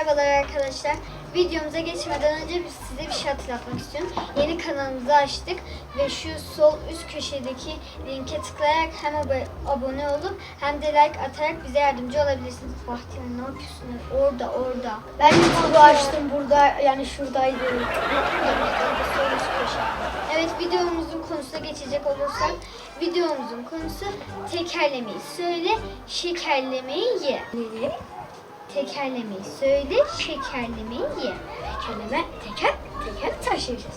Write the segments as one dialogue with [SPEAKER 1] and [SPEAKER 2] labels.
[SPEAKER 1] Merhabalar arkadaşlar. Videomuza geçmeden önce size bir şey hatırlatmak istiyorum. Yeni kanalımızı açtık ve şu sol üst köşedeki linke tıklayarak hem abone olup hem de like atarak bize yardımcı olabilirsiniz. Bahtiyar ne yapıyorsun? Orada.
[SPEAKER 2] Ben YouTube'u açtım burada, yani şuradaydı.
[SPEAKER 1] Sol üst köşe. Evet, videomuzun konusuna geçecek olursak, videomuzun konusu tekerlemeyi söyle, şekerlemeyi ye. Tekerlemeyi söyle, şekerlemeyi ye.
[SPEAKER 2] Teker taşıyacağız.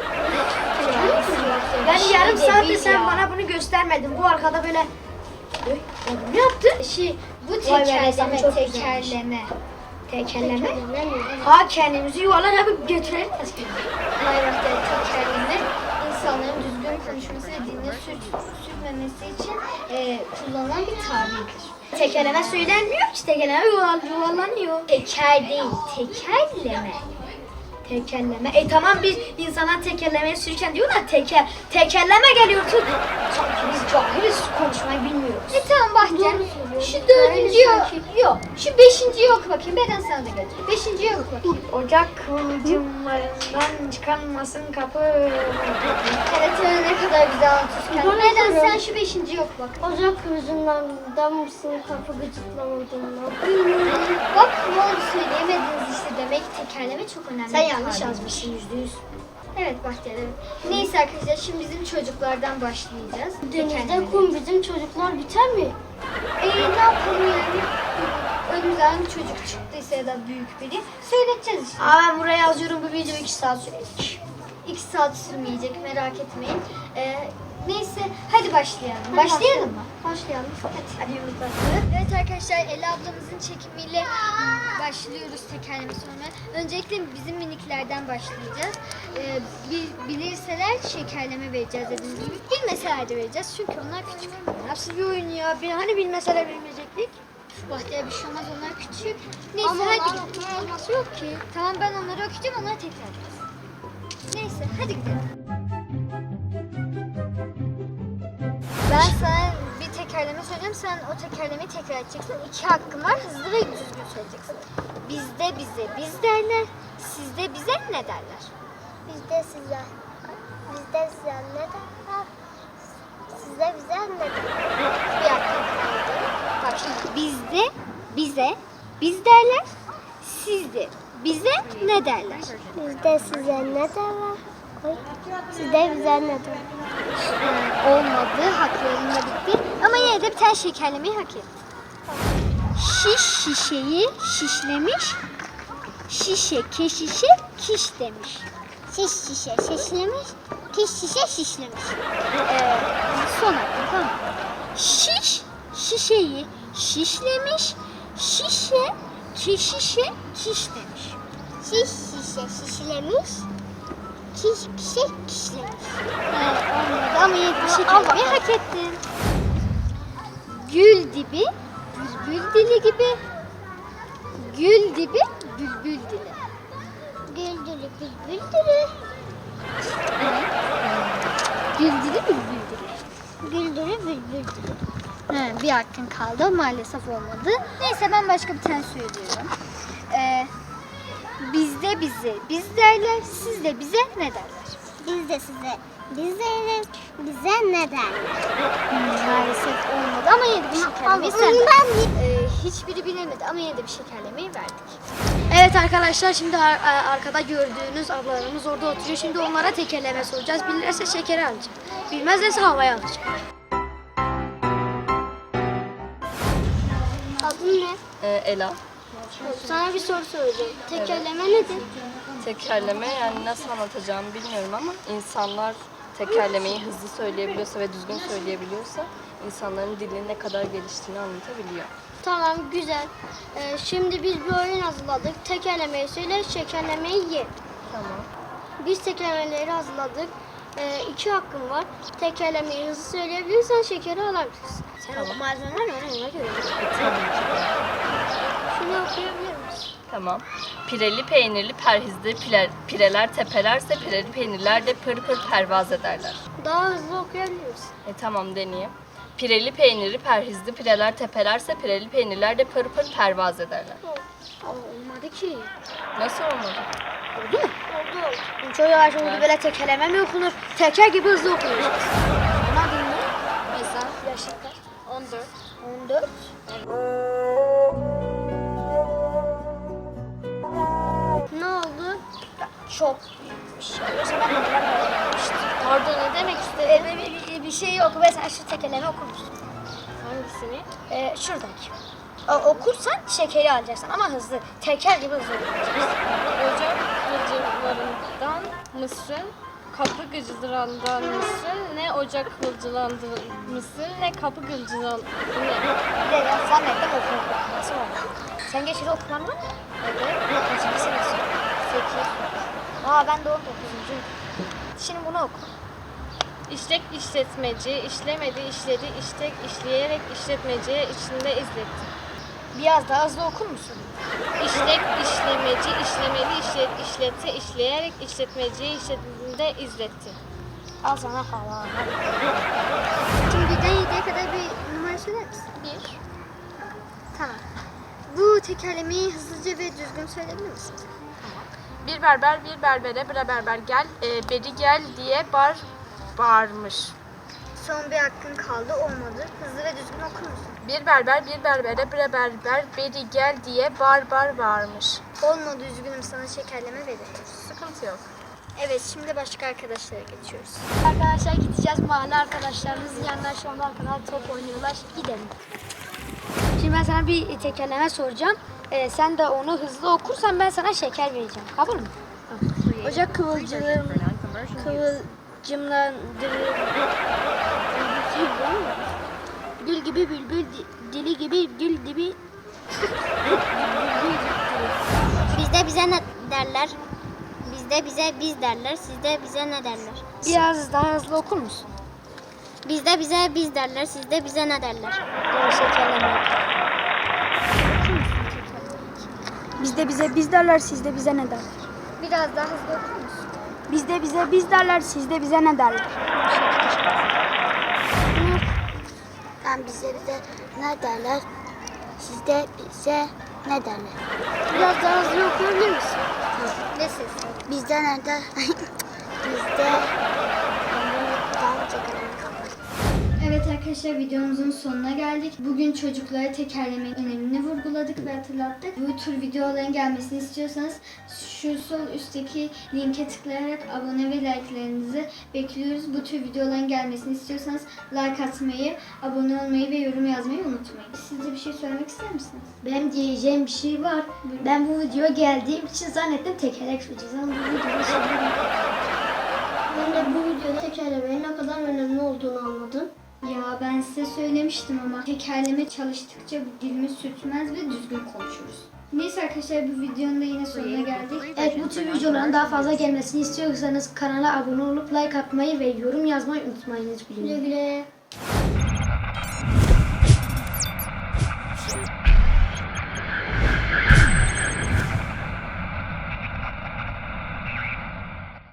[SPEAKER 1] Ben
[SPEAKER 2] Yani yarım saattir sen bana bunu göstermedin. Bu arkada böyle... Ne yaptın?
[SPEAKER 1] Bu
[SPEAKER 2] Vay be, resam
[SPEAKER 1] tekerleme,
[SPEAKER 2] çok
[SPEAKER 1] tekerleme.
[SPEAKER 2] Tekerleme. Ha, kendimizi yuvarlan yapıp götürelim.
[SPEAKER 1] Hayır, tekerleme insanların düzgün konuşması ve diline sürtmemesi için kullanılan bir tabirdir.
[SPEAKER 2] Tekerleme söylenmiyor ki, tekerleme yuvarlanıyor.
[SPEAKER 1] Teker değil, tekerleme.
[SPEAKER 2] Tekerleme. Tamam, biz insana tekerlemeye sürürken diyor da tekerleme geliyor tut. Sanki biz cahiliz, konuşmayı bilmiyoruz.
[SPEAKER 1] Tamam Bahtiyar.
[SPEAKER 2] Doğru söylüyorsun.
[SPEAKER 1] Şu dördüncü yok. Şu beşinciyi oku bakayım. Beden sana da götür. Beşinciyi oku bakayım.
[SPEAKER 2] Ocak kıvılcımlarından çıkanmasın kapı.
[SPEAKER 1] Evet, öyle ne kadar güzel anlatıyorsun. Beden sen şu beşinciyi oku bak.
[SPEAKER 2] Ocak kıvılcımlarından mısın kapı gıcıklamadığından.
[SPEAKER 1] Bak ne oldu, söyleyemediniz işte. Demek ki tekerleme çok önemli.
[SPEAKER 2] Sen
[SPEAKER 1] bir
[SPEAKER 2] yanlış
[SPEAKER 1] tabir.
[SPEAKER 2] yazmışsın %100.
[SPEAKER 1] Evet Bahtiyar, evet. Neyse arkadaşlar, şimdi bizim çocuklardan başlayacağız.
[SPEAKER 2] Denizde kum bizim çocuklar biter mi?
[SPEAKER 1] Ne yapalım yani? Önümüzden bir çocuk çıktıysa ya da büyük biri söyleteceğiz işte.
[SPEAKER 2] Ben buraya yazıyorum, bu video 2 saat sürecek.
[SPEAKER 1] 2 saat sürmeyecek, merak etmeyin. Neyse hadi başlayalım. Başlayalım mı?
[SPEAKER 2] Başlayalım.
[SPEAKER 1] Hadi başlayalım. Evet arkadaşlar, Ela ablamızın çekimiyle başlıyoruz tekerleme sormaya. Öncelikle bizim miniklerden başlayacağız. Bilirseler şekerleme vereceğiz dediğimiz gibi. Bilmeseler de vereceğiz çünkü onlar küçük.
[SPEAKER 2] Nasıl bir oyun ya? Hani bilmeseler bilmeyecektik.
[SPEAKER 1] Bahtiyar bir şey olmaz, onlar küçük. Neyse hadi gidelim.
[SPEAKER 2] Olması yok ki.
[SPEAKER 1] Tamam, ben onları okuyacağım, onları tekrar edeceğiz. Neyse hadi gidelim. Ben sana bir tekerleme söyleyeceğim. Sen o tekerlemeyi tekrar edeceksin. 2 hakkın var. Hızlı ve düzgün söyleyeceksin. Bizde bize biz derler. Sizde bize ne derler?
[SPEAKER 3] Bizde size ne derler? Sizde bize ne derler?
[SPEAKER 1] Bir hakkın kaldı. Bak şimdi, bizde bize biz derler. Sizde bize ne derler?
[SPEAKER 3] Bizde size ne derler? Oy. Sizde bize ne derler?
[SPEAKER 1] Olmadı. Haklarında bitti. Ama yine de bir tane şekerlemeyi hak etti. Şiş şişeyi şişlemiş. Şişe keşişe kiş demiş.
[SPEAKER 3] Şiş şişe şişlemiş, kiş şişe şişlemiş.
[SPEAKER 1] Son hakkı, tamam. Şiş şişeyi şişlemiş. Şişe keşişe kiş demiş.
[SPEAKER 3] Şiş şişe şişlemiş, kiş şişe kişlemiş.
[SPEAKER 1] Olmadı ama yine bir şekerlemeyi hak ettin. Gül dibi bülbül dili gibi. Gül dibi bülbül dili.
[SPEAKER 3] Güldürü bülbüldürü,
[SPEAKER 1] Gül dili bülbül dili.
[SPEAKER 3] güldürü bülbüldürü.
[SPEAKER 1] Bir hakkın kaldı. Maalesef olmadı. Neyse, ben başka bir tane söylüyorum. Bizde bize biz derler. Sizde bize ne derler?
[SPEAKER 3] Bizde size, bize ne derler?
[SPEAKER 1] Maalesef olmadı ama yine de bir şekerlemeyi sen hiçbiri bilemedi ama yine de bir şekerlemeyi verdik.
[SPEAKER 2] Evet arkadaşlar, şimdi arkada gördüğünüz ablalarımız orada oturuyor. Şimdi onlara tekerleme soracağız. Bilirse şekeri alacak. Bilmezlerse havaya alacak.
[SPEAKER 3] Adın ne?
[SPEAKER 4] Ela.
[SPEAKER 3] Sana bir soru soracağım. Tekerleme nedir?
[SPEAKER 4] Tekerleme, yani nasıl anlatacağımı bilmiyorum ama insanlar tekerlemeyi hızlı söyleyebiliyorsa ve düzgün söyleyebiliyorsa insanların dilinin ne kadar geliştiğini anlatabiliyor.
[SPEAKER 3] Tamam, güzel. Şimdi biz bir oyun hazırladık. Tekerlemeyi söyle, şekerlemeyi ye.
[SPEAKER 4] Tamam.
[SPEAKER 3] Biz tekerlemeleri hazırladık. 2 hakkın var. Tekerlemeyi hızlı söyleyebilirsen şekeri alabilirsin.
[SPEAKER 2] Sen o malzemeler var, ona göre.
[SPEAKER 3] Şunu okuyabilir misin?
[SPEAKER 4] Tamam. Pireli peynirli perhizli pireler tepelerse pireli peynirler de pır pır pervaz ederler.
[SPEAKER 3] Daha hızlı okuyabilir misin?
[SPEAKER 4] Tamam, deneyeyim. Pireli peyniri perhizli pireler tepelerse pireli peynirler de pır pır pervaz ederler.
[SPEAKER 3] Olmadı ki.
[SPEAKER 4] Nasıl olmadı?
[SPEAKER 3] Oldu mu? Oldu.
[SPEAKER 2] Çok yavaş oldu, böyle tekerleme mi okunur? Teker gibi hızlı okunur. Anladın mı?
[SPEAKER 3] Mesela
[SPEAKER 2] Yaşın kaç?
[SPEAKER 3] 14.
[SPEAKER 2] 14.
[SPEAKER 3] Ne oldu?
[SPEAKER 2] Çok büyük bir şey. Yoksa ben neler öğrenmiştim.
[SPEAKER 3] Pardon ne demek istedin?
[SPEAKER 2] Bir şey yok. Mesela şu tekerleme okur musun?
[SPEAKER 3] Hangisini?
[SPEAKER 2] Şuradaki. Okursan şekeri alacaksın ama hızlı. Teker gibi hızlı okuyacaksın.
[SPEAKER 3] Ocak hılcılarından mısın? Kapı gıcırandan mısın? Ne ocak hılcılandan mısın? Ne kapı gıcıran... Ne?
[SPEAKER 2] Bir de ben zannettim okuma. Nasıl oldu? Sen geçiri okuman var mı? Evet. Kaçıncı senesi? 8. Ben de 19. Şimdi bunu oku.
[SPEAKER 3] İşlek işletmeci, işlemedi, işledi, iştek, işleyerek işletmeciye içinde izletti.
[SPEAKER 2] Biraz daha hızlı okur musun?
[SPEAKER 3] İşlek, işlemeci, işlemeli, işletse, işleyerek işletmeciye işletinde izletti.
[SPEAKER 2] Al sana falan.
[SPEAKER 1] Şimdi birden 7'ye kadar bir numara söyler misin?
[SPEAKER 3] 1.
[SPEAKER 1] Tamam. Bu tekerlemeyi hızlıca ve düzgün söyleyebilir misin?
[SPEAKER 3] Bir berber bir berbere bre berber gel, beri gel diye bağırmış.
[SPEAKER 1] Son bir hakkın kaldı, olmadı. Hızlı ve düzgün okur musun?
[SPEAKER 3] Bir berber bir berbere bre berber beri gel diye bağırmış.
[SPEAKER 1] Olmadı, üzgünüm, sana şekerleme veriyoruz.
[SPEAKER 3] Sıkıntı yok.
[SPEAKER 1] Evet, şimdi başka arkadaşlara geçiyoruz.
[SPEAKER 2] Arkadaşlar gideceğiz. Mahalle arkadaşlarımızın yanına şu anda arkadan top oynuyorlar. Gidelim. Şimdi ben sana bir tekerleme soracağım. Sen de onu hızlı okursan ben sana şeker vereceğim. Kabul mü? Ocak kıvılcımlandırır. Gül gibi bülbül, dili gibi gül gibi.
[SPEAKER 5] Bizde bize ne derler? Bizde bize biz derler. Sizde bize ne derler?
[SPEAKER 2] Biraz daha hızlı okur musun?
[SPEAKER 5] Bizde bize biz derler. Sizde bize ne derler?
[SPEAKER 2] Şekerleme.
[SPEAKER 6] Bizde bize biz derler, sizde bize ne derler?
[SPEAKER 1] Biraz daha hızlı okur musun?
[SPEAKER 6] Bizde bize biz derler, sizde bize ne derler?
[SPEAKER 5] Bize ne derler? Sizde bize ne derler?
[SPEAKER 1] Biraz daha hızlı okuyabilir misin? Ne ses?
[SPEAKER 5] Bizde ne der? Bizde
[SPEAKER 1] Evet arkadaşlar, videomuzun sonuna geldik. Bugün çocuklara tekerlemenin önemini vurguladık ve hatırlattık. Bu tür videoların gelmesini istiyorsanız şu sol üstteki linke tıklayarak abone ve like'larınızı bekliyoruz. Bu tür videoların gelmesini istiyorsanız like atmayı, abone olmayı ve yorum yazmayı unutmayın. Siz de bir şey söylemek ister misiniz?
[SPEAKER 2] Benim diyeceğim bir şey var. Ben bu videoya geldiğim için zannettim tekerlek süreceğiz ama bu videoda
[SPEAKER 5] Ben de bu videoda tekerlemenin ne kadar önemli olduğunu anladım.
[SPEAKER 1] Ya ben size söylemiştim ama tekerleme çalıştıkça dilimiz sürtmez ve düzgün konuşuruz. Neyse arkadaşlar, bu videonun da yine sonuna geldik.
[SPEAKER 2] Evet, bu tür videoların daha fazla gelmesini istiyorsanız kanala abone olup like atmayı ve yorum yazmayı unutmayınız.
[SPEAKER 5] Güle güle.